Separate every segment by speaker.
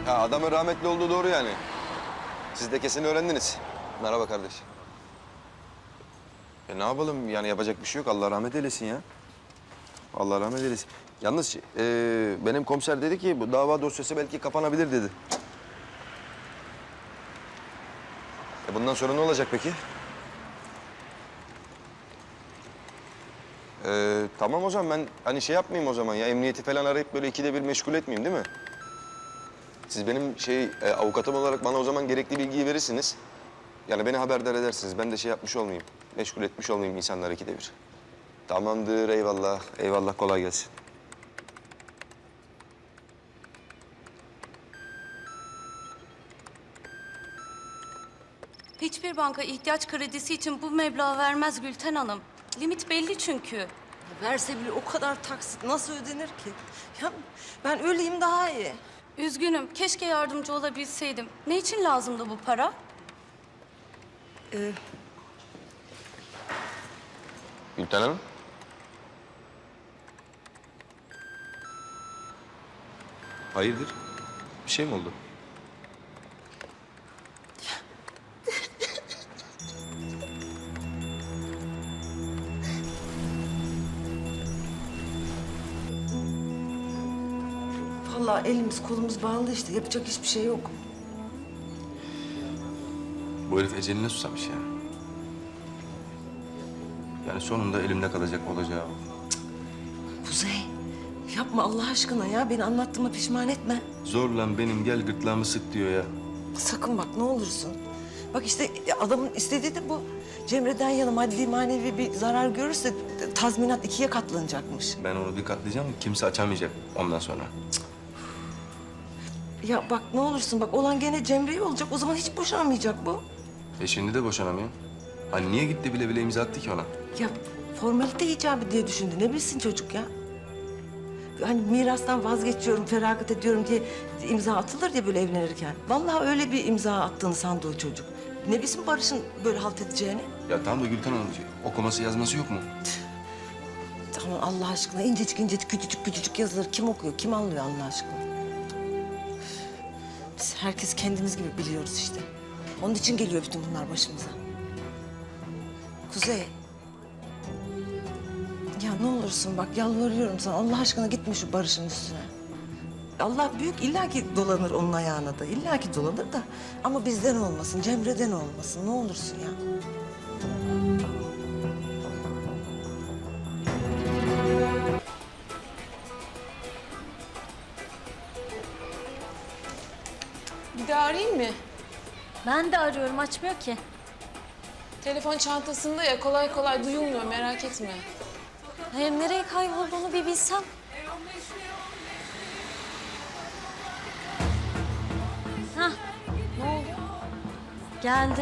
Speaker 1: Ha, adamın rahmetli olduğu doğru yani. Siz de kesin öğrendiniz. Merhaba kardeş. Ne yapalım yani yapacak bir şey yok. Allah rahmet eylesin ya. Allah rahmet eylesin. Yalnız benim komiser dedi ki bu dava dosyası belki kapanabilir dedi. Bundan sonra ne olacak peki? Tamam o zaman ben hani şey yapmayayım o zaman ya. Emniyeti falan arayıp böyle ikide bir meşgul etmeyeyim değil mi? Siz benim avukatım olarak bana o zaman gerekli bilgiyi verirsiniz. Yani beni haberdar edersiniz. Ben de şey yapmış olmayayım. Meşgul etmiş olmayayım insanları ikide bir. Tamamdır, eyvallah. Eyvallah, kolay gelsin.
Speaker 2: Hiçbir banka ihtiyaç kredisi için bu meblağı vermez Gülten Hanım. Limit belli çünkü.
Speaker 3: Verse bile o kadar taksit nasıl ödenir ki? Ya ben öleyim daha iyi.
Speaker 2: Üzgünüm, keşke yardımcı olabilseydim. Ne için lazımdı bu para?
Speaker 1: Gülten Hanım. Hayırdır? Bir şey mi oldu?
Speaker 3: Vallahi elimiz kolumuz bağlı işte. Yapacak hiçbir şey yok.
Speaker 4: Bu herif eceline susamış ya. Yani sonunda elimde kalacak olacağı o.
Speaker 3: Kuzey, yapma Allah aşkına ya. Beni anlattığıma pişman etme.
Speaker 4: Zorla benim gel gırtlağımı sık diyor ya.
Speaker 3: Sakın bak ne olursun. Bak işte adamın istediği de bu. Cemre'den yana maddi manevi bir zarar görürse tazminat 2'ye katlanacakmış.
Speaker 4: Ben onu bir katlayacağım, kimse açamayacak ondan sonra.
Speaker 3: Ya bak ne olursun bak olan gene Cemre'ye olacak. O zaman hiç boşanmayacak bu.
Speaker 4: Şimdi de boşanamıyor. Hani niye gitti bile bile imza attı ki ona?
Speaker 3: Ya formalite icabı diye düşündü. Ne bilsin çocuk ya? Hani mirastan vazgeçiyorum, feragat ediyorum diye imza atılır ya böyle evlenirken. Vallahi öyle bir imza attığını sandı o çocuk. Ne bilsin Barış'ın böyle halt edeceğini?
Speaker 4: Ya tamam da Gülten Hanım, okuması yazması yok mu?
Speaker 3: Tamam Allah aşkına incecik incecik küçücük küçücük yazıları kim okuyor, kim anlıyor Allah aşkına? Biz herkes kendimiz gibi biliyoruz işte. Onun için geliyor bütün bunlar başımıza. Kuzey. Ya ne olursun bak yalvarıyorum sana Allah aşkına gitme şu Barış'ın üstüne. Allah büyük illaki dolanır onun ayağına da illaki dolanır da ama bizden olmasın Cemre'den olmasın ne olursun ya.
Speaker 5: Bir de arayayım mı?
Speaker 2: Ben de arıyorum, açmıyor ki.
Speaker 5: Telefon çantasında ya kolay kolay duyulmuyor merak etme.
Speaker 2: Hem nereye kaybolduğunu bir bilsem. Hah, ne oldu? Geldi.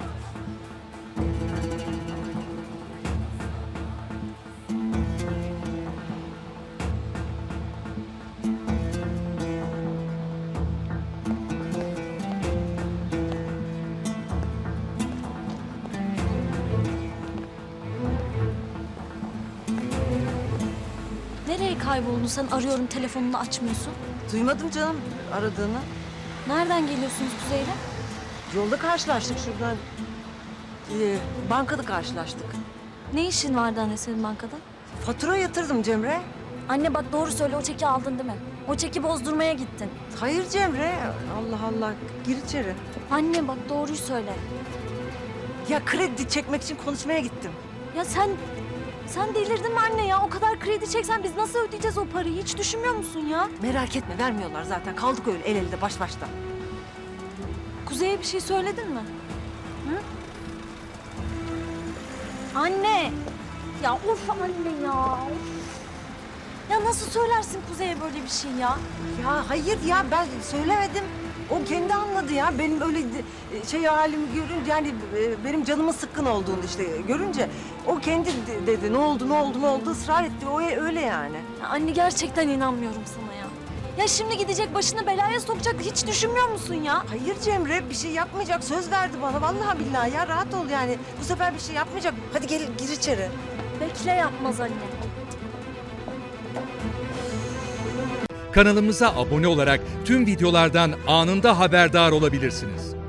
Speaker 2: Nereye kayboldun sen? Arıyorum, telefonunu açmıyorsun.
Speaker 3: Duymadım canım aradığını.
Speaker 2: Nereden geliyorsunuz Kuzey'le?
Speaker 3: Yolda karşılaştık şuradan. Bankada karşılaştık.
Speaker 2: Ne işin vardı anne senin bankada?
Speaker 3: Fatura yatırdım Cemre.
Speaker 2: Anne bak doğru söyle, o çeki aldın değil mi? O çeki bozdurmaya gittin.
Speaker 3: Hayır Cemre. Allah Allah. Gir içeri.
Speaker 2: Anne bak doğruyu söyle.
Speaker 3: Ya kredi çekmek için konuşmaya gittim.
Speaker 2: Ya sen delirdin mi anne ya? O kadar kredi çeksen biz nasıl ödeyeceğiz o parayı? Hiç düşünmüyor musun ya?
Speaker 3: Merak etme vermiyorlar zaten. Kaldık öyle el elde baş başta.
Speaker 2: Kuzey'e bir şey söyledin mi? Hı? Anne! Ya of anne ya! Of. Ya nasıl söylersin Kuzey'e böyle bir şey ya?
Speaker 3: Ya hayır ya ben söylemedim. O kendi anladı ya. Benim öyle şey halimi görünce yani benim canımın sıkkın olduğunu işte görünce o kendi dedi ne oldu ne oldu ne oldu ısrar etti. O öyle yani.
Speaker 2: Ya anne gerçekten inanmıyorum sana ya. Ya şimdi gidecek başını belaya sokacak, hiç düşünmüyor musun ya?
Speaker 3: Hayır Cemre bir şey yapmayacak söz verdi bana vallahi billahi ya rahat ol yani. Bu sefer bir şey yapmayacak. Hadi gel gir içeri.
Speaker 2: Bekle, yapmaz anne.
Speaker 6: Kanalımıza abone olarak tüm videolardan anında haberdar olabilirsiniz.